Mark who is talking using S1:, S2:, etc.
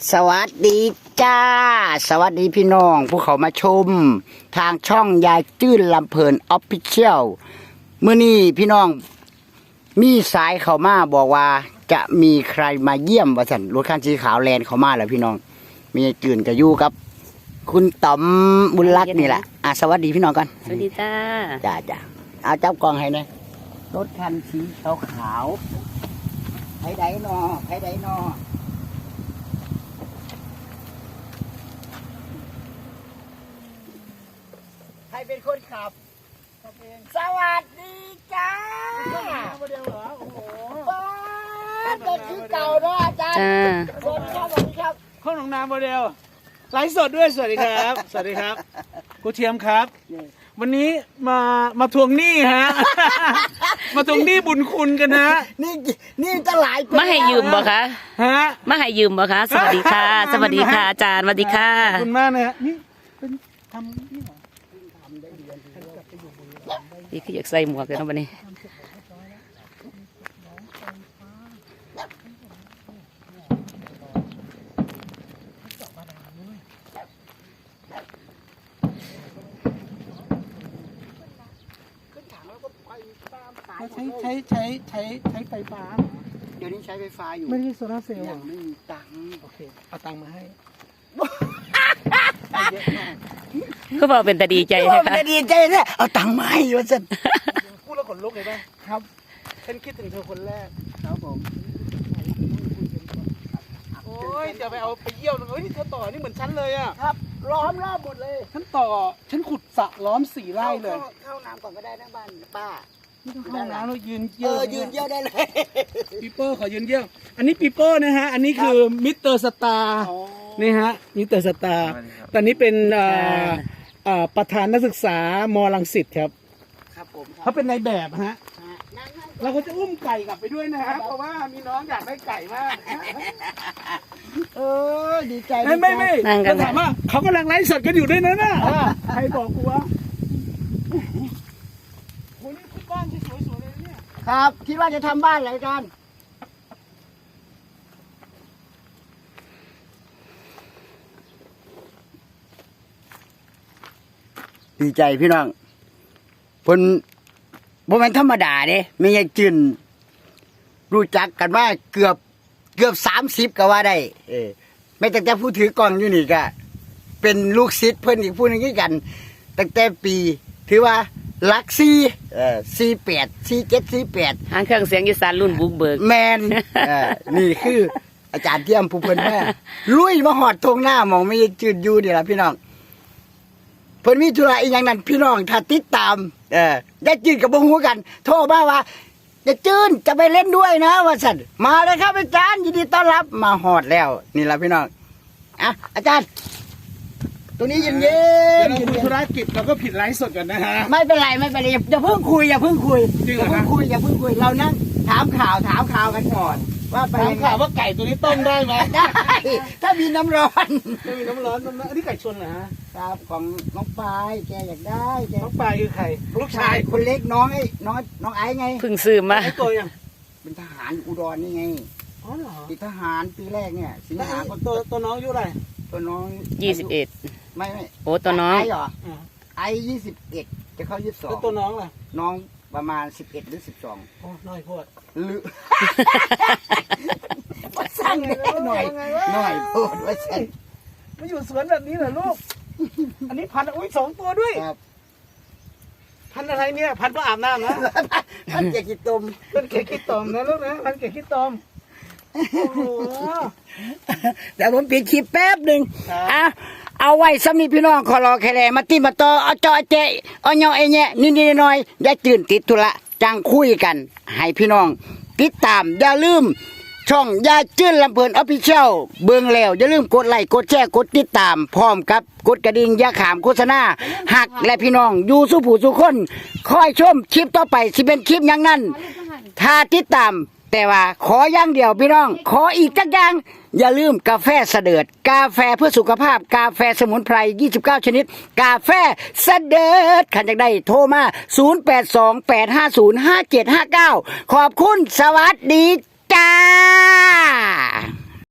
S1: สวัสดีจ้าสวัสดีพี่น้องผู้เขามาชมทางช่องยายจื้นลำเพลินออฟฟิเชียลเมื่อนี้พี่น้องมีสายเขามาบอกว่าจะมีใครมาเยี่ยมว่าสันรถคันสีขาวแลนเขามาแล้วพี่น้องมีจื่นกับยู่ครับคุณต๋อมบุญรัตน์นี่แหละสวัสดีพี่น้องกัน
S2: สวัสดีจ้า
S1: จ้าเอาเจ้ากองให้นะรถคันสีขาวไผไดนอไผไดนอใครเป็นคนขับสวัสดีจ้าโมเดลเหรอโอ้โหเด็กคือเก่าเนาะอาจารย์สวัสดีครับสวัสดีครับ
S3: ข้องหนองนาโมเดลไลฟ์สดด้วยสวัสดีครับสวัสดีครับกูเทียมครับวันนี้มาทวงหนี้ฮะมาทวงหนี้บุญคุณกันฮะ
S1: นี่จะหลาย
S2: มาให้ยืมบ่คะ
S3: ฮะ
S2: มาให้ยืมบ่คะสวัสดีค่ะสวัสดีค่ะอาจารย์สวัสดีค่ะ
S3: ขอบคุณมากนะฮะนี่เป็นทำนี่เหรอ
S2: นี่คืออยากใส่หมวกเลยนะวันนี้
S3: ใช้ไฟฟ้า
S1: เดี๋ยวนี้ใช้ไฟฟ้าอยู่
S3: ไม่ได้โซลาร์เซลล์
S1: ยังไม่มีตังค์
S3: โอเคเอาตังค์มาให้
S2: ก็บอกเป็นแต่ดีใจเลยค่ะ
S1: ดีใจแท้เอาตังค์มาให้วะสัน
S3: พูดแล้วขนลุกเลยป่ะครับฉันคิดถึงเธอคนแรก
S1: ครับผม
S3: โอ้ยจะไปเอาไปเยี่ยวเลยเธอต่อนี่เหมือนฉันเลยอ่ะ
S1: ครับล้อมรอบหมดเลย
S3: ฉันขุดสระล้อม4 ไร่เลย
S1: เข้าน้ำก่อนก็ได้นะบ้านป้า
S3: ห้องน้ำเรายืนเยี่ยว
S1: ยืนเยี่ยวได้เลย
S3: ปีโป้ขอยืนเยี่ยวอันนี้ปีโป้นะฮะอันนี้คือมิสเตอร์สตาร์นี่ฮะมิสเตอร์สตาร์ตอนนี้เป็นประธานนักศึกษามรังสิตครับ
S1: ครับผม
S3: เขาเป็นนายแบบฮะเราก็จะอุ้มไก่กลับไปด้วยนะครับเพราะว่ามีน้องอยากได้ไก่มาก
S1: ดีใจ
S3: ไม่เขาถามว่าเขากำลังไลฟ์สดกันอยู่ด้วยนะน่ะใครบอกกูวะโอ้นี่คือบ้านที่สวยๆเลยเนี่ย
S1: ครับคิดว่าจะทำบ้านอะไรกันดีใจพี่น้องเพิ่นบ่แม่นธรรมดาเด้ไม่ใช่จื่นรู้จักกันมาเกือบ30ก็ว่าได้ไม่ตั้งแต่ผู้ถือกล้องอยู่นี่ก็เป็นลูกศิษย์เพิ่นอีกผู้นึงคือกันตั้งแต่ปีถือว่าหลัก48 47 48
S2: หางเครื่องเสียงอีสานรุ่นบุกเบิก
S1: แมนนี่คืออาจารย์เทียมผู้เพิ่นแม่ลุยมาหอดทงหน้ามองไม่จืดอยู่นี่ล่ะพี่น้องเพิ่นมีธุระอีหยังนั้นพี่น้องถ้าติดตามได้จืดกับบ่ฮู้กันโทรมาว่าจะจืดจะไปเล่นด้วยนะว่าซั่นมาเลยครับอาจารย์ยินดีต้อนรับมาหอดแล้วนี่ล่ะพี่น้องอาจารย์ตรงนี้เย็น
S3: เดี๋ยวเราคุยธุรกิจเราก็ผิดไลฟ์สดกันนะฮะ
S1: ไม่เป็นไรอย่าเพิ่งคุยอย่าเพิ่งคุยเรานั่งถามข่าวกันก่อนว่าไป
S3: ถามข่าวว่าไก่ตัวนี้ต้มได้ไหม
S1: ได้ถ้ามีน้ำร้อน
S3: อันนี้ไก่ชนเหรอฮะ
S1: ครับของน้องปายแกอยากได้
S3: น้องปายคือใครลูกชาย
S1: คนเล็กน้องไอ้ไง
S2: เพิ่งซื้อมา
S3: ตัวยัง
S1: เป็นทหารอุดรนี่ไง
S3: อ๋อเหรอ
S1: ติดทหารปีแรกเนี่ยสิงหา
S3: ตัวน้องอายุอะไร
S1: ตัวน้อง
S2: 21
S1: ไม่
S2: โอ้ตัวน้อง
S1: ไอเหรอไอ21จะเข้า22
S3: ตัวน้องล่ะ
S1: น้องประมาณ11หรือ12
S3: โอ้น้อยโพด
S1: หรือว่าสั่งหน่อยโพดว่าสั่ง
S3: มาอยู่สวนแบบนี้เหรอลูกอันนี้พัน2 ตัวด้วยพันอะไรเนี่ยพันก็อาบน้ำนะ
S1: พันเกขี้ตม
S3: นะลูกนะพันเกขี้ตม
S1: เดี๋ยวผมปิดคลิปแป๊บหนึ่งเอาไว้สำนีพี่น้องขอรอแค่แลมาตีมาต่อเอาจอเจเอาเนาะไอ้เนี่ยนิดหน่อยอย่าตื่นติดธุระจังคุยกันให้พี่น้องติดตามอย่าลืมช่องยายจื้นลำเพลินออฟฟิเชียลเบิ่งแล้วอย่าลืมกดไลค์กดแชร์กดติดตามพร้อมกับกดกระดิ่งอย่าขามโฆษณาหักและพี่น้องอยู่สู้ผู้สู้คนคอยชมคลิปต่อไปสิเป็นคลิปอย่างนั้นถ้าติดตามแต่ว่าขออย่างเดียวพี่น้องขออีกจักอย่างอย่าลืมกาแฟเสด็จกาแฟเพื่อสุขภาพกาแฟสมุนไพร29ชนิดกาแฟเสด็จขันจากได้โทรมา0828505759ขอบคุณสวัสดีจ้า